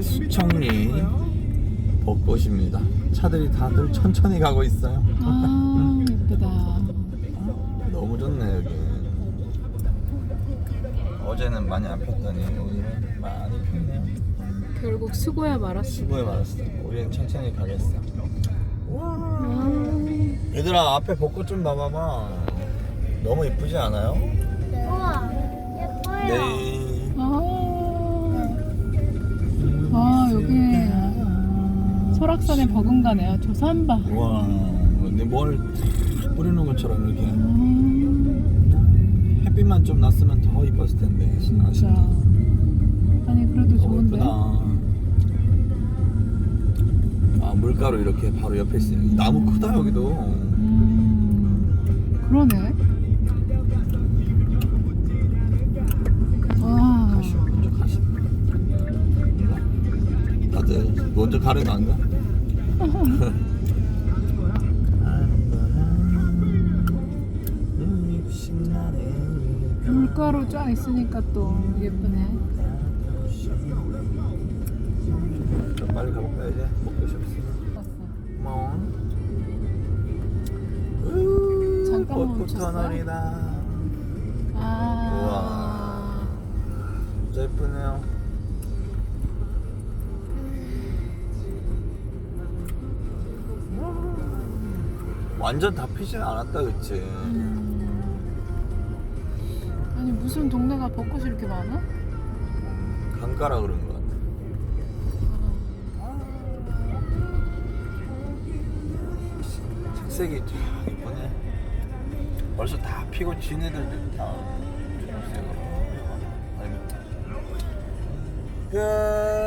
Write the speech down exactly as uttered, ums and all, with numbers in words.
수청리 벚꽃입니다. 차들이 다들 천천히 가고 있어요. 아 예쁘다. 너무 좋네 여기. 어제는 많이 안 폈더니 오늘은 많이 폈네요. 결국 수고야 말았어. 수고해 말았어. 우리는 천천히 가겠어. 와. 아, 얘들아 앞에 벚꽃 좀 봐봐봐. 너무 이쁘지 않아요? 우와, 예뻐요. 네. 아, 아 여기 설악산에 버금가네요. 저 산바. 와. 근데 뭘 뿌리는 것처럼 이렇게 음, 햇빛만 좀 났으면 더 이뻤을 텐데. 진짜. 아쉽다. 아니 그래도 너무 좋은데. 예쁘다. 아 물가로 이렇게 바로 옆에 있으니 나무 크다 여기도. 음, 그러네. 와. 가시오 먼저 가시오. 다들 먼저 가는 거 안 가? 물가로 쫙 있으니까 또 예쁘네. 좀 빨리 가볼까 이제? 먹고 싶었어. 봤어. 고마워. 잠깐만 벚꽃 멈췄어요? 터널이다. 아. 진짜 예쁘네요. 완전 다 피진 않았다 그치? 음. 아니 무슨 동네가 벚꽃이 이렇게 많아? 강가라 그런 것 같아. 색색이 참 이쁘네. 벌써 다 피고 진 애들도 다 초록색으로. 끝.